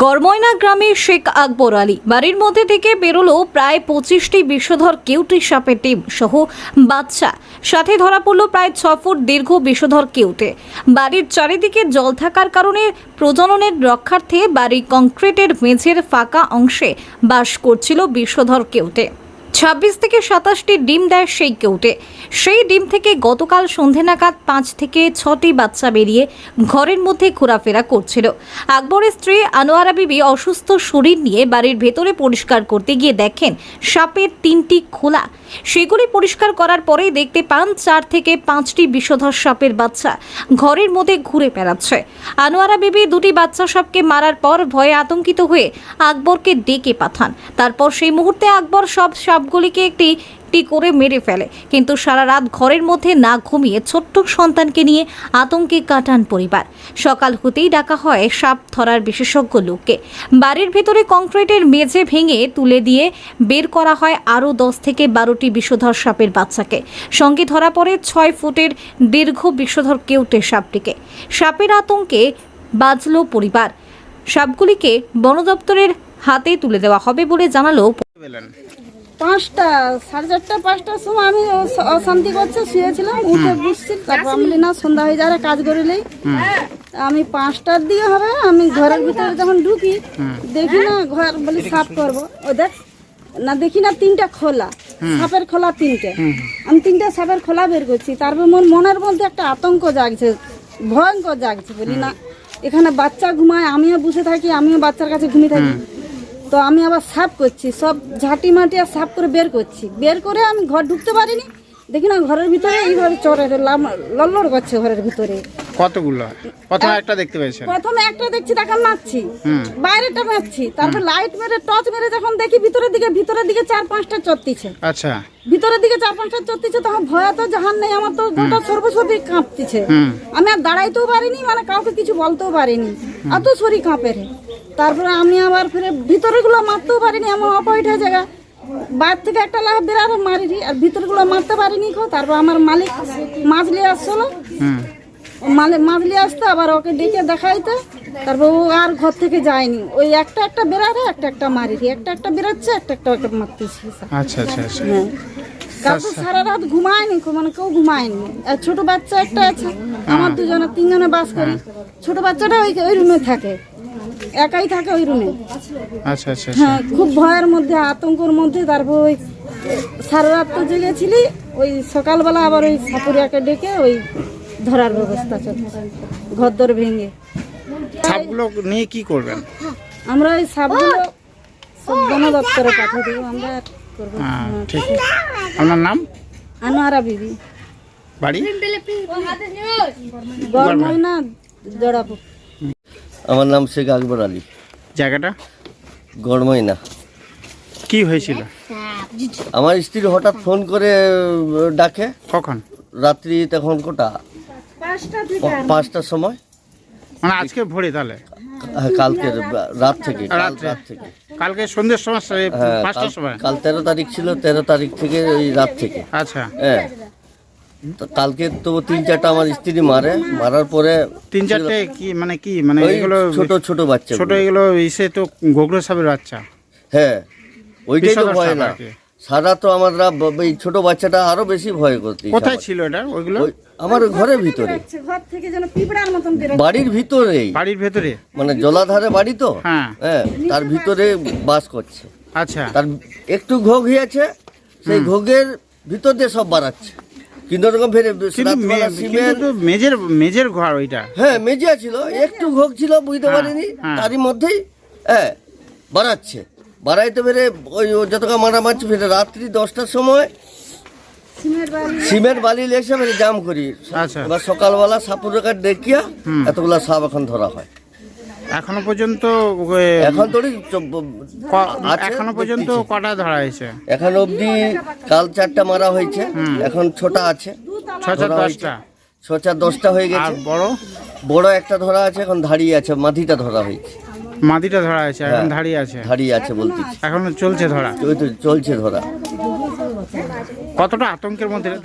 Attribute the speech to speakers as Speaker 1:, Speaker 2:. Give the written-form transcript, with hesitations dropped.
Speaker 1: গড়ময়না গ্রামে শেখ আকবর আলী বাড়ির মধ্যে থেকে বেরোলো প্রায় 25টি বিষধর কেউটি সাপের ডিম সহ বাচ্চা, সাথে ধরা পড়লো প্রায় 6 ফুট দীর্ঘ বিষধর কেউটে। বাড়ির চারিদিকে জল থাকার কারণে প্রজননের রক্ষার্থে বাড়ির কংক্রিটের মেঝের ফাঁকা অংশে বাস করছিল বিষধর কেউটে। 26 থেকে 27টি ডিম দেয় সেই কেউটে। সেই ডিম থেকে গতকাল সন্ধে নাগাদ 5 থেকে 6টি বাচ্চা বেরিয়ে ঘরের মধ্যে ঘোরাফেরা করছিল। আকবরের স্ত্রী আনোয়ারা বিবি অসুস্থ শরীর নিয়ে বাড়ির ভেতরে পরিষ্কার করতে গিয়ে দেখেন সাপের 3টি খোলা। সেগুলি পরিষ্কার করার পরেই দেখতে পান 4 থেকে 5টি বিষধর সাপের বাচ্চা ঘরের মধ্যে ঘুরে বেড়াচ্ছে। আনোয়ারা বিবি 2টি বাচ্চা সাপকে মারার পর ভয়ে আতঙ্কিত হয়ে আকবরকে ডেকে পাঠান। তারপর সেই মুহূর্তে আকবর সব সাপগুলিকে একটি করে মেরে ফেলে, কিন্তু সারা রাত ঘরের মধ্যে না ঘুমিয়ে ছোট্ট সন্তানকে নিয়ে আতঙ্কে কাটান পরিবার। সকাল হতেই ডাকা হয় সাপ ধরার বিশেষজ্ঞ লোককে। বাড়ির ভেতরে কংক্রিটের মেঝে ভেঙে তুলে দিয়ে বের করা হয় আরও 10 থেকে 12টি বিষধর সাপের বাচ্চাকে। সঙ্গে ধরা পড়ে 6 ফুটের দীর্ঘ বিষধর কেউটে সাপটিকে। সাপের আতঙ্কে বাঁচল পরিবার। সাপগুলিকে বন দপ্তরের হাতে তুলে দেওয়া হবে বলে জানালো।
Speaker 2: 5টা, 4:30, 5টার সময় আমি অশান্তি করছে শুয়েছিলাম, উঠে বুঝছি। তারপর আমি না সন্ধ্যা হয়ে যাওয়ার কাজ করিলেই আমি 5টার দিকে হবে, আমি ঘরের ভিতরে যখন ঢুকি দেখি না ঘর বলি সাফ করবো, ও দেখ না দেখি না 3টা খোলা, সাপের খোলা 3টে। আমি 3টে সাপের খোলা বের করছি। তারপর মোর মনের মধ্যে একটা আতঙ্ক জাগছে, ভয়ঙ্কর জাগছে। বলি না এখানে বাচ্চা ঘুমায়, আমিও বসে থাকি, আমিও বাচ্চার কাছে ঘুমিয়ে থাকি। তো আমি আবার সাফ করছি, সব ঝাঁটি মাটি আর সাফ করে বের করছি। বের করে আমি ঘর ঢুকতে পারিনি, দেখি না ঘরের ভিতরে এইভাবে চড়ে লড়লড় করছে ঘরের ভিতরে।
Speaker 3: কতগুলো? প্রথমে একটা দেখতে পেয়েছেন?
Speaker 2: প্রথমে একটা দেখছি, তাকে মারছি, বাইরেটা মারছি। তারপর লাইট মেরে টর্চ মেরে যখন দেখি ভিতরের দিকে 4-5টা চড়তিছে।
Speaker 3: আচ্ছা,
Speaker 2: ভিতরের দিকে 4-5টা চড়তিছে, তখন ভয় তো জাহান নেই, আমার তো গোটা সর্বশরীর কাঁপতিছে। আমি আর দাঁড়াইতেও পারিনি, মানে কাউকে কিছু বলতেও পারিনি, এত শরীর কাঁপে। তারপরে আমি আবার ফিরে ভিতরে গুলো মারতেও পারিনি, এমন অপয়ঠা জায়গা। বাইর থেকে একটা লাভ বেরারে মারিনি, আর ভিতরে গুলো মারতে পারিনি। তারপর আমার মালিক মাছ নিয়ে আসলো, মাছ নিয়ে আসতো, আবার ওকে ডেকে দেখাইতে। তারপর ও আর ঘর থেকে যায়নি, ওই একটা বেরারে একটা মারিনি, একটা বেরাচ্ছে, একটা মারতেছি।
Speaker 3: আচ্ছা আচ্ছা আচ্ছা।
Speaker 2: হ্যাঁ, কাউকে সারা রাত ঘুমায়নি, মানে কেউ ঘুমায়নি। আর ছোট বাচ্চা একটা আছে, আমার 3জনে বাস করি। ছোট বাচ্চাটা ওই রুমে থাকে, একাই থাকে ওই রুমে।
Speaker 3: আচ্ছা আচ্ছা।
Speaker 2: হ্যাঁ, খুব ভয়ের মধ্যে, আতঙ্কের মধ্যে। তারপর ওই সারা রাত তো জেগেছিলি, ওই সকালবেলা আবার ওই সাপুরিয়াকে ডেকে ওই ধরার ব্যবস্থা চলছে, ঘরদর ভেঙে।
Speaker 3: সাপগুলো নিয়ে কি করবেন?
Speaker 2: আমরা ওই সাপগুলো সব বন দপ্তরে পাঠিয়ে দেবো, আমরা করবো।
Speaker 3: ঠিক। আপনার নাম?
Speaker 2: আনোয়ারা বিবি,
Speaker 3: বাড়ি?
Speaker 2: গড়ময়না, জড়াপুর।
Speaker 4: আমার নাম শেখ আকবর আলী।
Speaker 3: জায়গাটা?
Speaker 4: গড়ময়না।
Speaker 3: কি হয়েছিল?
Speaker 4: আমার স্ত্রী হঠাৎ ফোন করে ডাকে।
Speaker 3: কখন?
Speaker 4: রাত্রি তখন কটা? 5টার সময়।
Speaker 3: মানে আজকে ভোরে? তাহলে
Speaker 4: কালকে রাত থেকে।
Speaker 3: কালকে সন্ধ্যের সময়,
Speaker 4: হ্যাঁ,
Speaker 3: 5টার সময়।
Speaker 4: কাল 13 তারিখ ছিল, 13 তারিখ থেকে ওই রাত থেকে।
Speaker 3: আচ্ছা।
Speaker 4: হ্যাঁ, তো কালকে তো 3-4টা আমার স্ত্রী মারার পরে
Speaker 3: 3-4টে কি মানে কি মানে
Speaker 4: ওই
Speaker 3: এগুলো
Speaker 4: ছোট বাচ্চা,
Speaker 3: ছোট এগুলো ইসে তো গোগলো সাপের বাচ্চা।
Speaker 4: হ্যাঁ, ওইটাই তো
Speaker 3: বিষধর
Speaker 4: ভয়
Speaker 3: সাপ
Speaker 4: না।
Speaker 3: আর কি।
Speaker 4: সারা তো আমরা এই ছোট বাচ্চাটা আরো বেশি ভয় করতে।
Speaker 3: কোথায় ছিল এটা? ওইগুলো
Speaker 4: আমার ঘরের ভিতরে,
Speaker 2: ঘর থেকে যেন পিঁপড়ার মতন বের
Speaker 4: বাড়ির ভিতরেই,
Speaker 3: বাড়ির ভেতরে,
Speaker 4: মানে জলাধারে বাড়ি তো।
Speaker 3: হ্যাঁ।
Speaker 4: হ্যাঁ, তার ভিতরে বাস করছে।
Speaker 3: আচ্ছা।
Speaker 4: তার একটু ঘোগ হয়েছে, সেই ঘোগের ভিতর দিয়ে সব বাড়াচ্ছে। কিন্তু ওরকম ফেরে
Speaker 3: কিন্তু মেজের ঘর ওইটা।
Speaker 4: হ্যাঁ, মেজিয়া ছিল, একটু ঘোগ ছিল, বুঝতে পারিনি। তারই মধ্যেই হ্যাঁ বাড়াচ্ছে, বাড়াইতে পেরে ওই যতটা মারছে ফেরে রাত্রি 10টার সময় সিমেন্ট বালি লেসে ফেরে জাম করি।
Speaker 3: আচ্ছা।
Speaker 4: এবার সকালবেলা সাপুর কাঠ দেখিয়া এতগুলা সাপ এখন ধরা হয়।
Speaker 3: এখনো পর্যন্ত
Speaker 4: এখন তো
Speaker 3: এখনো পর্যন্ত কটা ধরা হয়েছে?
Speaker 4: এখন অবধি কাল 4টা মারা হয়েছে, এখন 6টা আছে।
Speaker 3: 6-10টা
Speaker 4: 6-10টা হয়ে গেছে।
Speaker 3: আর বড়
Speaker 4: একটা ধরা আছে, এখন দাঁড়িয়ে আছে। মাটিটা ধরা হয়েছে,
Speaker 3: মাদিটা ধরা হয়েছে, এখন দাঁড়িয়ে আছে
Speaker 4: বলতে
Speaker 3: এখনো চলছে ধরা।
Speaker 4: চলছে ধরা।
Speaker 3: কতটা আতঙ্কের মধ্যে